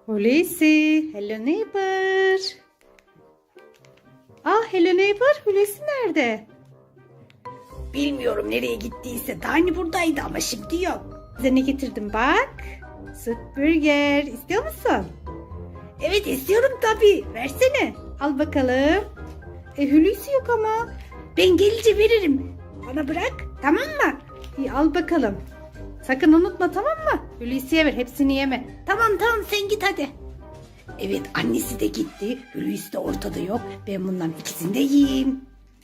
Hulusi, hello neighbor. Hello neighbor, Hulusi nerede? Bilmiyorum nereye gittiyse. Daha hani buradaydı ama şimdi yok. Size ne getirdim bak. Süt burger. İstiyor musun? Evet istiyorum tabii. Versene. Al bakalım. Hulusi yok ama. Ben gelince veririm. Bana bırak. Tamam mı? İyi al bakalım. Sakın unutma tamam mı? Hulusi'ye ver. Hepsini yeme. Tamam sen git hadi. Evet annesi de gitti. Hulusi de ortada yok. Ben bunların ikisini de yiyeyim.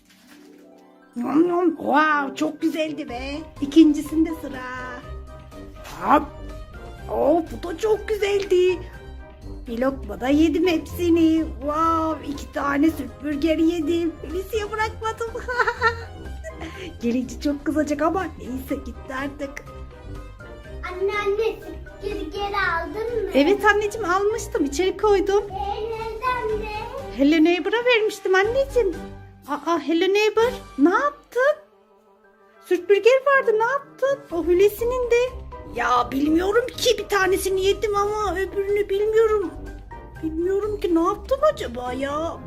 Wow, çok güzeldi be. İkincisinde sıra. Hop. Bu da çok güzeldi. Bir lokma da yedim hepsini. Wow, 2 tane süt burger yedim. Hulusi'ye bırakmadım. Gelince çok kızacak ama neyse gitti artık. Anne geri aldın mı? Evet anneciğim almıştım. İçeri koydum. Nereden de? Hello Neighbor'a vermiştim anneciğim. Hello Neighbor ne yaptın? Süt burger vardı ne yaptın? O Hulusi'nin de. Ya bilmiyorum ki bir tanesini yedim ama öbürünü bilmiyorum. Bilmiyorum ki ne yaptım acaba ya?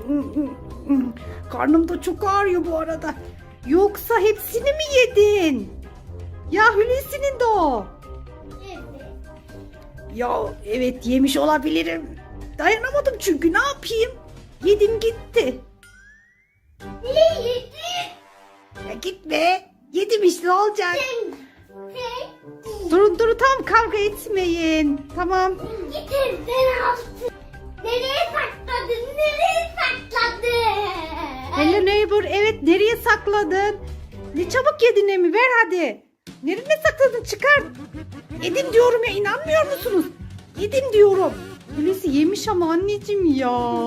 Karnım da çok ağrıyor bu arada. Yoksa hepsini mi yedin? Ya Hulusi'nin de o. Evet. Ya evet yemiş olabilirim. Dayanamadım çünkü ne yapayım? Yedim gitti. Niye yedin? Ya gitme. Yedim işte ne olacak? Sen Durun tam kavga etmeyin. Tamam. git evden aldın. Nereye sakladın? Nereye sakladın? Hello neighbor evet nereye sakladın? Ne çabuk yedin Emi ver hadi. Nereye sakladın çıkar. Yedim diyorum ya inanmıyor musunuz? Yedim diyorum. Hulusi yemiş ama anneciğim ya.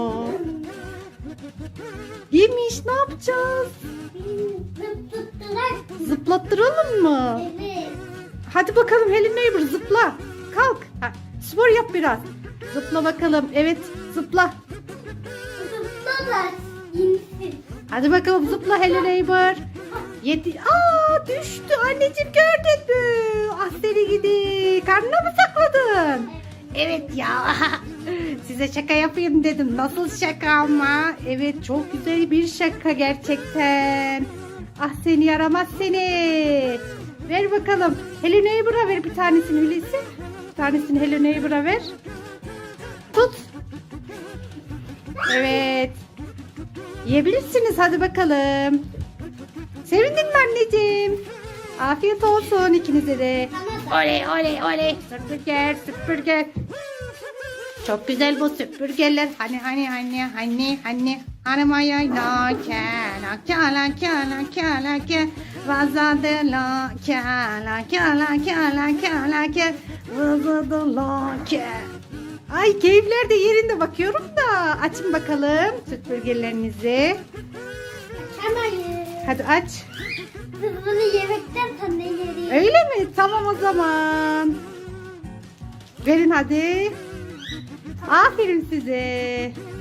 Yemiş ne yapacağız? Zıp tuttular. Zıplattıralım mı? Evet. Hadi bakalım Hello Neighbor zıpla. Kalk. Spor yap biraz. Zıpla bakalım. Evet zıpla. Zıpladılar. İnsin. Hadi bakalım zıpla Hello Neighbor. Düştü. Anneciğim gördün mü? Seni gidi. Karnına mı sakladın? Evet ya. Size şaka yapayım dedim. Nasıl şaka ama? Evet çok güzel bir şaka gerçekten. Seni yaramaz seni. Ver bakalım. Hello Neighbor'a ver bir tanesini Hulusi. Bir tanesini Hello Neighbor'a ver. Tut. Evet. Yiyebilirsiniz hadi bakalım. Sevindin mi anneciğim? Afiyet olsun ikinize de. Oley. Süt burger. Çok güzel bu süt burgerler. Hani. Hanımaya la ke vazadı la ke vazadı la ke. Ay keyifler de yerinde bakıyorum da. Açın bakalım süt burgerlerinizi. Açamayız. Hadi aç. Biz bunu yemekten sonra yeriz. Öyle mi? Tamam o zaman. Verin hadi. Aferin size.